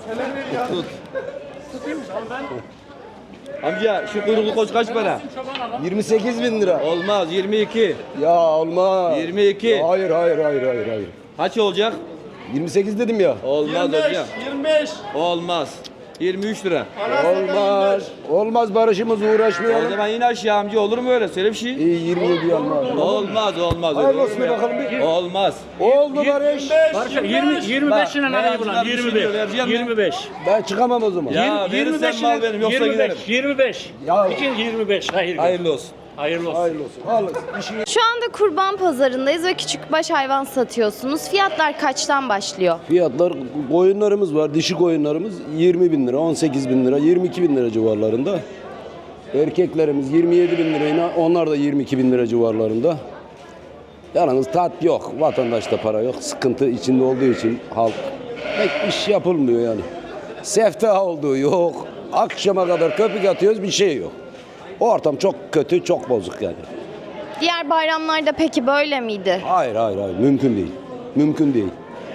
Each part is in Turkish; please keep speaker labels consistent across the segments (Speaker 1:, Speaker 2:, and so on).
Speaker 1: Tut. Amca şu kuyruklu koç kaç para?
Speaker 2: 28 bin lira.
Speaker 1: Olmaz 22.
Speaker 2: Ya olmaz.
Speaker 1: 22.
Speaker 2: Hayır.
Speaker 1: Kaç olacak?
Speaker 2: 28 dedim ya.
Speaker 1: Olmaz hocam.
Speaker 3: 25.
Speaker 1: Olmaz. 23 lira.
Speaker 2: Olmaz. Olmaz barışımız
Speaker 1: O
Speaker 2: uğraşmayalım.
Speaker 1: zaman yine aşağı amca olur mu öyle? Söyle bir şey.
Speaker 2: İyi 27 olmaz.
Speaker 1: Olmaz.
Speaker 2: Hayırlı olsun bakalım bir.
Speaker 1: Olmaz.
Speaker 2: Oldu barış.
Speaker 3: Barış 25 lira nereye bulan? 25.
Speaker 2: Ben çıkamam o zaman.
Speaker 1: Ya verirsen mal benim yoksa giderim.
Speaker 3: 25.
Speaker 2: Ya.
Speaker 3: İkin 25.
Speaker 1: Hayırlı olsun.
Speaker 3: Hayırlı olsun.
Speaker 2: Hayırlı olsun. Hayırlı olsun.
Speaker 4: Şu anda kurban pazarındayız ve küçükbaş hayvan satıyorsunuz. Fiyatlar kaçtan başlıyor?
Speaker 2: Fiyatlar koyunlarımız var. Dişi koyunlarımız 20 bin lira, 18 bin lira, 22 bin lira civarlarında. Erkeklerimiz 27 bin lirayla onlar da 22 bin lira civarlarında. Yalnız tat yok. Vatandaşta para yok. Sıkıntı içinde olduğu için halk pek iş yapılmıyor yani. Sefta olduğu yok. Akşama kadar köpük atıyoruz bir şey yok. Ortam çok kötü, çok bozuk yani.
Speaker 4: Diğer bayramlarda peki böyle miydi?
Speaker 2: Hayır. Mümkün değil. Mümkün değil.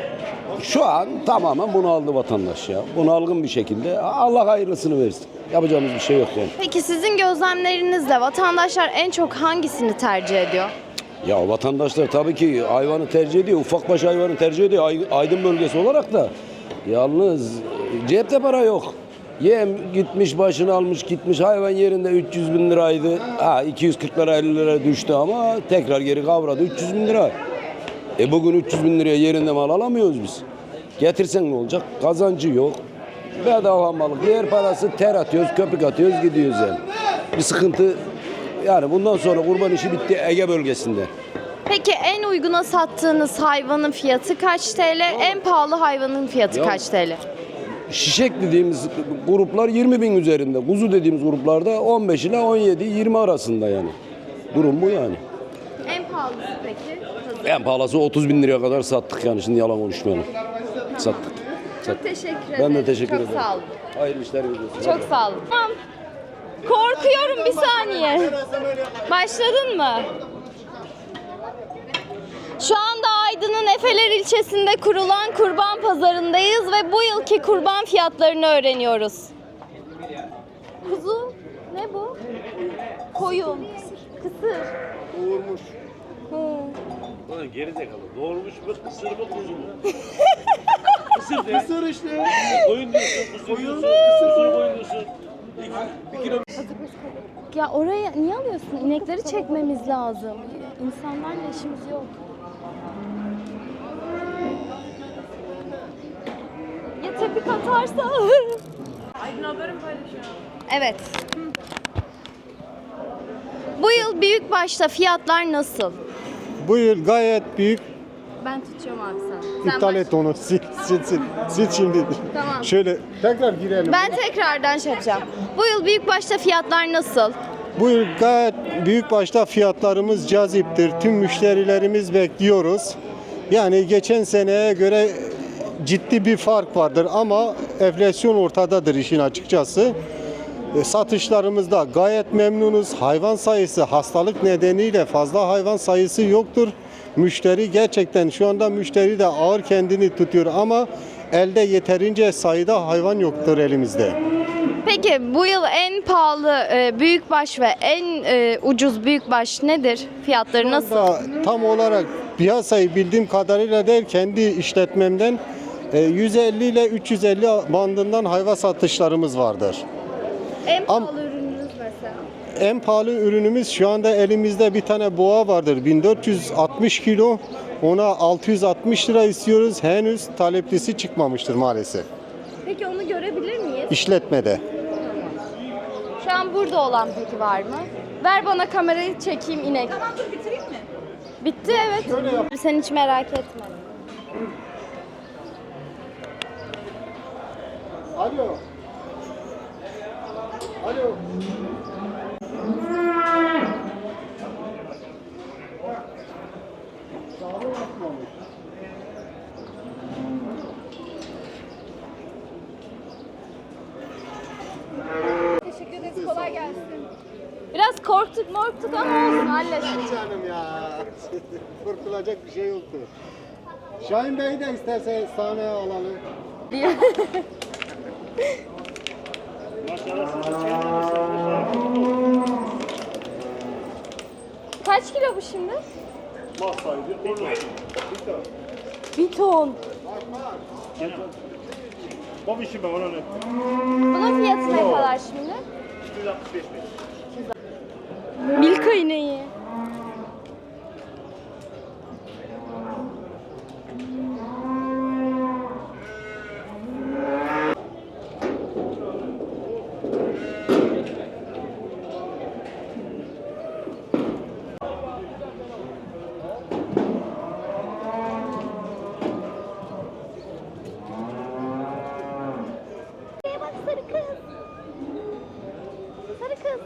Speaker 2: Şu an tamamen bunaldı vatandaş ya. Bunalgın bir şekilde. Allah hayırlısını versin. Yapacağımız bir şey yok yani.
Speaker 4: Peki sizin gözlemlerinizle vatandaşlar en çok hangisini tercih ediyor?
Speaker 2: Ya vatandaşlar tabii ki hayvanı tercih ediyor. Ufakbaş hayvanı tercih ediyor. Aydın bölgesi olarak da. Yalnız cepte para yok. Yem gitmiş başını almış gitmiş. Hayvan yerinde 300 bin liraydı. 240 lira 50 lira düştü ama tekrar geri kavradı 300 bin lira. Bugün 300 bin liraya yerinde mal alamıyoruz biz. Getirsen ne olacak? Kazancı yok. Bedava malık. Yer parası ter atıyoruz, köpük atıyoruz, gidiyoruz yani. Bir sıkıntı yani bundan sonra kurban işi bitti Ege bölgesinde.
Speaker 4: Peki en uyguna sattığınız hayvanın fiyatı kaç TL? En pahalı hayvanın fiyatı
Speaker 2: Ya.
Speaker 4: kaç TL?
Speaker 2: Şişek dediğimiz gruplar 20 bin üzerinde. Kuzu dediğimiz gruplarda 15 ile 17-20 arasında yani. Durum bu yani.
Speaker 4: En pahalısı peki?
Speaker 2: En pahalısı 30 bin liraya kadar sattık yani şimdi yalan konuşmayalım. Sattık.
Speaker 4: Çok teşekkür ederim.
Speaker 2: Ben de teşekkür ederim.
Speaker 4: Çok sağ olun.
Speaker 2: Hayırlı işler olsun.
Speaker 4: Çok sağ olun. Tamam. Korkuyorum bir saniye. Başladın mı? Şu anda Aydın'ın Efeler ilçesinde kurulan kurban pazarındayız ve bu yılki kurban fiyatlarını öğreniyoruz. Kuzu ne bu? Koyun. Kısır.
Speaker 3: Doğurmuş.
Speaker 4: Hı.
Speaker 3: Gerizekalı. Doğurmuş mu? Kısır mı? Kuzu mu? Kısır işte. Koyun diyorsun. Kısır diyorsun. Kısır koyun diyorsun. 1 kilo.
Speaker 4: Ya oraya niye alıyorsun? İnekleri çekmemiz lazım. İnsanlarla işimiz yok. Ya tepik atarsa? Aydın haberim paylaşıyor. Evet. Bu yıl büyükbaşta fiyatlar nasıl?
Speaker 5: Bu yıl gayet büyük.
Speaker 4: Ben tutuyorum abi sen.
Speaker 5: İptal et onu. Sil şimdi.
Speaker 4: Tamam.
Speaker 5: Şöyle tekrar girelim.
Speaker 4: Ben tekrardan şey yapacağım. Bu yıl büyükbaşta fiyatlar nasıl?
Speaker 5: Bu yıl gayet büyük başta fiyatlarımız caziptir. Tüm müşterilerimiz bekliyoruz. Yani geçen seneye göre ciddi bir fark vardır ama enflasyon ortadadır işin açıkçası. Satışlarımızda gayet memnunuz. Hayvan sayısı hastalık nedeniyle fazla hayvan sayısı yoktur. Müşteri gerçekten şu anda müşteri de ağır kendini tutuyor ama elde yeterince sayıda hayvan yoktur elimizde.
Speaker 4: Peki bu yıl en pahalı büyükbaş ve en ucuz büyükbaş nedir? Fiyatları nasıl?
Speaker 5: Tam olarak piyasayı bildiğim kadarıyla değil kendi işletmemden 150 ile 350 bandından hayvan satışlarımız vardır.
Speaker 4: En pahalı ürününüz mesela?
Speaker 5: En pahalı ürünümüz şu anda elimizde bir tane boğa vardır. 1460 kilo. Ona 660 lira istiyoruz. Henüz taleplisi çıkmamıştır maalesef.
Speaker 4: Peki onu görebilir miyiz?
Speaker 5: İşletmede.
Speaker 4: Şu an burada olan peki var mı? Ver bana kamerayı çekeyim inek. Tamam dur bitireyim mi? Bitti evet. Sen hiç merak etme.
Speaker 5: Alo. Alo.
Speaker 4: Teşekkür ederiz. Kolay gelsin. Biraz korktuk ama olsun hallederiz.
Speaker 5: Canım ya. Korkulacak bir şey yoktu. Şahin Bey'i de istersen sahneye alalım.
Speaker 3: Maşallah siz de kendiniz.
Speaker 4: Kaç kilo bu şimdi?
Speaker 3: Mal sahibi. Bir ton.
Speaker 4: Bir ton.
Speaker 3: Bu işi ben ona ne?
Speaker 4: Bunun fiyatı ne kadar şimdi?
Speaker 3: 265 bin.
Speaker 4: Milka ineği. Bak sarı kız. Sarı kız.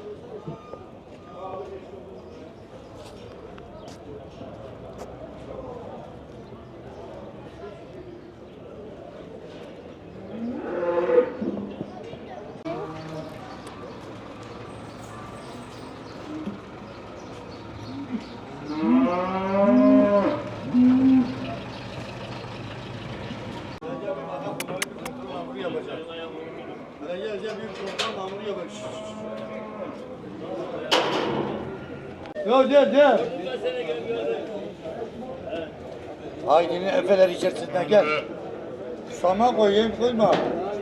Speaker 1: Gel.
Speaker 6: Ailenin efeler içerisinden gel. Sama koyayım koyma.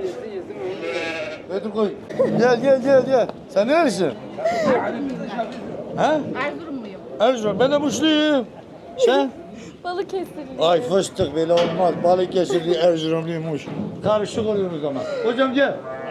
Speaker 6: Hadi koy. Gel. Sen nerelisin? Ha?
Speaker 4: Erzurumluyum.
Speaker 6: Erzurum. Ben de Muşluyum. Sen?
Speaker 4: Balıkesirli.
Speaker 6: Ay fıstık böyle olmaz. Balıkesirli Erzurumluymuş. Karışık oluyoruz ama. Hocam gel.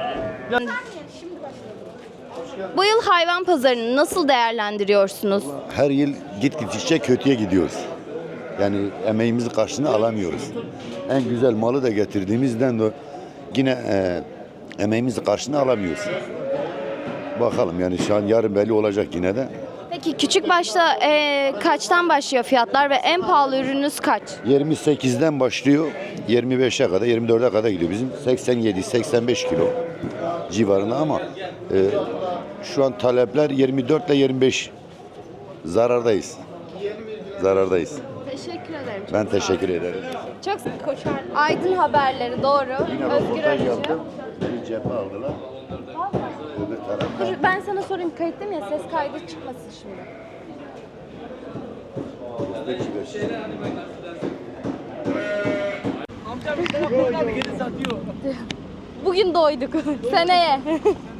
Speaker 4: Bu yıl hayvan pazarını nasıl değerlendiriyorsunuz?
Speaker 7: Her yıl gittikçe kötüye gidiyoruz. Yani emeğimizin karşılığını alamıyoruz. En güzel malı da getirdiğimizden de yine emeğimizin karşılığını alamıyoruz. Bakalım yani şu an yarın belli olacak yine de.
Speaker 4: Peki küçük başta kaçtan başlıyor fiyatlar ve en pahalı ürününüz kaç?
Speaker 7: 28'den başlıyor 25'e kadar 24'e kadar gidiyor. Bizim 87-85 kilo civarında ama şu an talepler 24 ile 25 zarardayız.
Speaker 4: Teşekkür ederim.
Speaker 7: Ben teşekkür ederim.
Speaker 4: Çok koşar. Aydın haberleri doğru.
Speaker 7: Yine
Speaker 4: Özgür
Speaker 7: röportaj
Speaker 4: Arıcı.
Speaker 7: yaptım. Bir cephe aldılar. Öbür taraftan.
Speaker 4: Dur, ben sana sorayım kayıtta mı ya ses kaydı çıkmasın şimdi. Bugün doyduk. Seneye.